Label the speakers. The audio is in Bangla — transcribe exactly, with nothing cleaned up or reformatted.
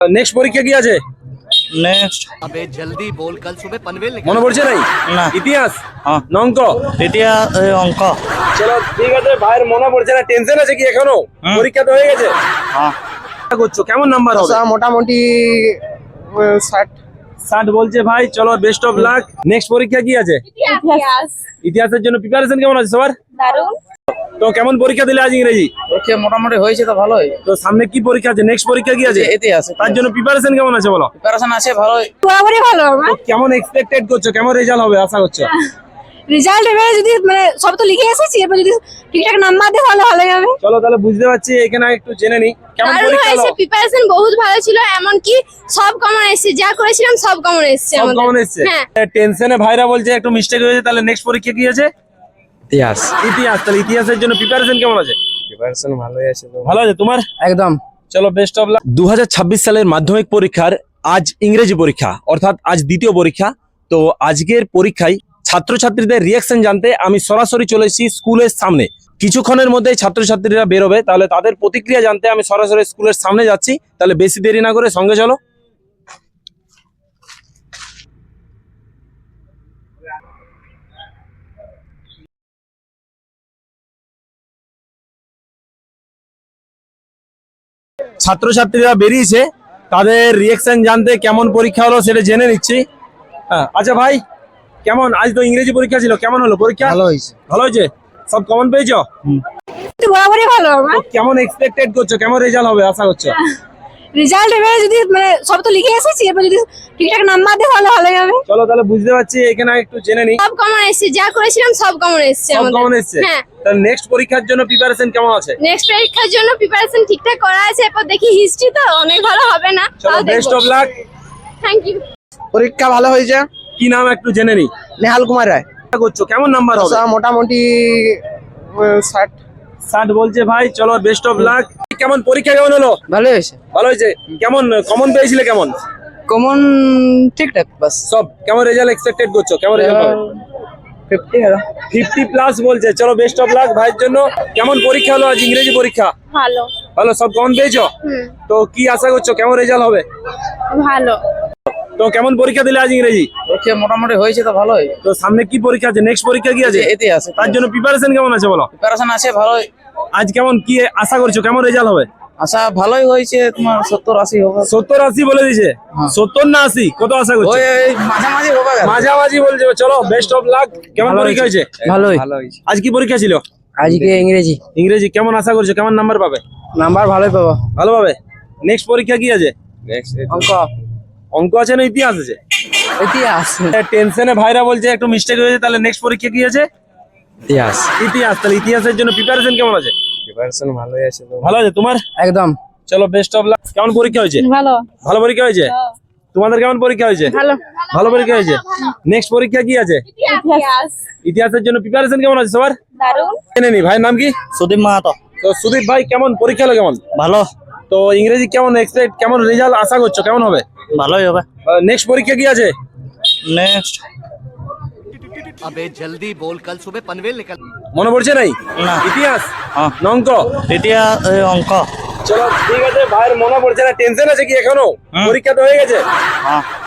Speaker 1: নেক্সট পরীক্ষা কি আছে?
Speaker 2: নেক্সট
Speaker 3: अबे जल्दी बोल कल सुबह पनवेल निकल।
Speaker 1: মনে পড়ছে নাই?
Speaker 2: না।
Speaker 1: ইতিহাস
Speaker 2: হ্যাঁ।
Speaker 1: না অঙ্ক?
Speaker 2: ইতিহাস এ, অঙ্ক।
Speaker 1: চলো ঠিক আছে, ভাইয়ের মনে পড়ছে না, টেনশন আছে কি এখনো?
Speaker 2: হুম।
Speaker 1: পরীক্ষা তো হয়ে গেছে।
Speaker 2: হ্যাঁ।
Speaker 1: আশা করছো কেমন নাম্বার হবে?
Speaker 4: মোটামুটি ষাট।
Speaker 1: ষাট বলছে ভাই। চলো বেস্ট অফ লাক। নেক্সট পরীক্ষা কি আছে?
Speaker 5: ইতিহাস।
Speaker 1: ইতিহাসের জন্য প্রিপারেশন কেমন আছে সবার?
Speaker 5: দারুণ।
Speaker 1: তো কেমন পরীক্ষা দিলে আজ ইংরেজি?
Speaker 4: ওকে মোটামুটি হয়েছে তো ভালোই।
Speaker 1: তো সামনে কি পরীক্ষা আছে? নেক্সট পরীক্ষা কি আছে?
Speaker 4: ইতিহাস।
Speaker 1: তার জন্য প্রিপারেশন কেমন আছে বলো?
Speaker 4: প্রিপারেশন আছে ভালোই।
Speaker 5: বরাবরই ভালো আমার
Speaker 1: তো কেমন এক্সপেক্টেড করছো, কেমন রেজাল্ট হবে আশা করছো?
Speaker 5: রেজাল্ট এবারে যদি মানে সব তো লিখে এসেছি, এবার যদি ঠিকঠাক নাম্বার দেয় তাহলে ভালো হবে।
Speaker 1: চলো তাহলে বুঝতে পারছি, এখানে একটু জেনে নি কেমন
Speaker 5: দারুণ
Speaker 1: পরীক্ষা
Speaker 5: হয়েছে,
Speaker 1: হলো?
Speaker 5: প্রিপারেশন বহুত ভালো ছিল, এমনকি সব কমন এসেছে, যা করেছিলাম সব কমন এসেছে
Speaker 1: সব
Speaker 5: আমাদের।
Speaker 1: কেমন এসছে?
Speaker 5: হ্যাঁ।
Speaker 1: টেনশনে ভাইরা বলছে একটু মিস্টেক হয়েছে, তাহলে নেক্সট পরীক্ষা কি আছে?
Speaker 4: ইতিহাস।
Speaker 1: ইতিহাস। তাহলে ইতিহাসের জন্য প্রিপারেশন কেমন আছে?
Speaker 4: প্রিপারেশন ভালোই আছে তো।
Speaker 1: ভালো আছে তোমার?
Speaker 4: একদম।
Speaker 1: চলো বেস্ট অফ লাক। দু হাজার ছাব্বিশ সালের মাধ্যমিক পরীক্ষার আজ ইংরেজি পরীক্ষা, অর্থাৎ আজ দ্বিতীয় পরীক্ষা। তো আজকের পরীক্ষায় ছাত্রছাত্রীদের রিয়াকশন জানতে আমি সরাসরি চলে এসেছি স্কুলের সামনে। কিছুক্ষণের মধ্যেই ছাত্রছাত্রীরা বেরোবে, তাহলে তাদের প্রতিক্রিয়া জানতে আমি সরাসরি স্কুলের সামনে যাচ্ছি। তাহলে বেশি দেরি না করে সঙ্গে চলো। ছাত্রছাত্রীরা বেরিয়েছে, তাদের রিয়াকশন জানতে কেমন পরীক্ষা হলো সেটা জেনে নিচ্ছি। হ্যাঁ, আচ্ছা ভাই, কেমন আজ তো ইংরেজি পরীক্ষা ছিল, কেমন হলো পরীক্ষা?
Speaker 4: ভালো হয়েছে।
Speaker 1: ভালো হয়েছে? সব কমন পেয়েছো?
Speaker 5: বরাবরই ভালো আমার
Speaker 1: তো কেমন এক্সপেক্টেড করছো, কেমন রেজাল্ট হবে আশা করছো?
Speaker 5: রেজাল্ট এবারে যদি মানে সব তো লিখে এসেছি, এবার যদি ঠিকঠাক নাম্বার দেয় তাহলে ভালো হবে।
Speaker 1: চলো তাহলে বুঝতে পারছি, এখানে একটু জেনে নি
Speaker 5: সব কমন এসেছে, যা করেছিলাম সব কমন এসেছে
Speaker 1: সব
Speaker 5: আমাদের।
Speaker 1: কেমন এসছে।
Speaker 5: হ্যাঁ।
Speaker 1: তাহলে নেক্সট পরীক্ষার জন্য প্রিপারেশন কেমন আছে?
Speaker 5: নেক্সট পরীক্ষার জন্য প্রিপারেশন ঠিকঠাক করা আছে, এরপর দেখি হিস্ট্রি তো অনেক ভালো হবে না।
Speaker 1: চলো best of luck.
Speaker 5: Thank you.
Speaker 4: পরীক্ষা ভালো হয়েছে।
Speaker 1: কি নাম একটু জেনে নি।
Speaker 4: নেহাল কুমার রায়।
Speaker 1: আশা করছো কেমন নাম্বার হবে?
Speaker 4: মোটামুটি ষাট।
Speaker 1: ষাট বলছে ভাই। চলো বেস্ট অফ লাক। কেমন পরীক্ষা কেমন হলো?
Speaker 4: ভালো হয়েছে।
Speaker 1: ভালো হয়েছে। কেমন কমন পেয়েছিলে? কেমন
Speaker 4: কমন ঠিকঠাক বাস।
Speaker 1: সব কেমন রেজাল্ট এক্সপেক্টেড করছো, কেমন রেজাল্ট হবে?
Speaker 4: ফিফটি
Speaker 1: ফিফটি প্লাস বলছে। চলো বেস্ট অফ লাক ভাইয়ের জন্য। কেমন পরীক্ষা হলো আজ ইংরেজি পরীক্ষা?
Speaker 5: ভালো।
Speaker 1: ভালো, সব কমন পেয়েছো?
Speaker 5: হুম।
Speaker 1: তো কি আশা করছো, কেমন রেজাল্ট হবে?
Speaker 5: ভালো।
Speaker 1: তো কেমন পরীক্ষা দিলে আজ ইংরেজি?
Speaker 4: ওকে মোটামুটি হয়েছে তো ভালোই।
Speaker 1: তো সামনে কি পরীক্ষা আছে? নেক্সট পরীক্ষা কি আছে?
Speaker 4: ইতিহাস।
Speaker 1: তার জন্য প্রিপারেশন কেমন আছে বলো?
Speaker 4: প্রিপারেশন আছে ভালোই।
Speaker 1: আজ কেমন কি আশা করছো, কেমন রেজাল্ট হবে?
Speaker 4: আশা ভালোই হয়েছে, তোমার সত্তর আশি হবে।
Speaker 1: সত্তর আশি বলে দিছে। সত্তর না আশি, কত আশা করছো?
Speaker 4: ওই ওই মাঝামাঝি হবে।
Speaker 1: মাঝামাঝি বলছে। চলো বেস্ট অফ লাক। কেমন পরীক্ষা হয়েছে?
Speaker 4: ভালোই।
Speaker 1: আজ কি পরীক্ষা ছিল?
Speaker 4: আজকে ইংরেজি।
Speaker 1: ইংরেজি। কেমন আশা করছো, কেমন নাম্বার পাবে?
Speaker 4: নাম্বার ভালোই পাবো।
Speaker 1: ভালো পাবে। নেক্সট পরীক্ষা কি আছে?
Speaker 4: অঙ্ক।
Speaker 1: অঙ্ক আছে না ইতিহাস আছে?
Speaker 4: ইতিহাস।
Speaker 1: টেনশনে ভাইরা বলছে একটু মিস্টেক হয়েছে, তাহলে নেক্সট পরীক্ষা কি আছে?
Speaker 4: ইতিহাস।
Speaker 1: ইতিহাস। তাহলে ইতিহাসের জন্য প্রিপারেশন কেমন আছে?
Speaker 4: প্রিপারেশন ভালোই আছে তো।
Speaker 1: ভালো আছে তোমার?
Speaker 4: একদম।
Speaker 1: চলো বেস্ট অফ লাক। কেমন পরীক্ষা হয়েছে?
Speaker 5: ভালো।
Speaker 1: ভালো পরীক্ষা হয়েছে। তোমাদের কেমন পরীক্ষা হয়েছে?
Speaker 5: ভালো।
Speaker 1: ভালো পরীক্ষা হয়েছে। নেক্সট পরীক্ষা কি আছে?
Speaker 5: ইতিহাস।
Speaker 1: ইতিহাসের জন্য প্রিপারেশন কেমন আছে সবার?
Speaker 5: দারুণ।
Speaker 1: জেনে নি। ভাইয়ের নাম কি?
Speaker 2: সুদীপ মাহাতো।
Speaker 1: তো সুদীপ ভাই, কেমন পরীক্ষা হলো, কেমন?
Speaker 2: ভালো।
Speaker 1: তো ইংরেজি কেমন এক্সপেক্ট, কেমন রেজাল্ট আশা করছো, কেমন হবে?
Speaker 2: ভালোই হবে।
Speaker 1: নেক্সট পরীক্ষা কি আছে?
Speaker 2: নেক্সট
Speaker 3: अबे जल्दी बोल कल सुबह पनवेल निकल।
Speaker 1: মনে পড়ছে নাই?
Speaker 2: না।
Speaker 1: ইতিহাস
Speaker 2: হ্যাঁ।
Speaker 1: না অঙ্ক?
Speaker 2: ইতিহাস এ, অঙ্ক।
Speaker 1: চলো ঠিক আছে, ভাইয়ের মনে পড়ছে না, টেনশন আছে কি এখনো?
Speaker 2: হুম।
Speaker 1: পরীক্ষা তো হয়ে গেছে।
Speaker 2: হ্যাঁ।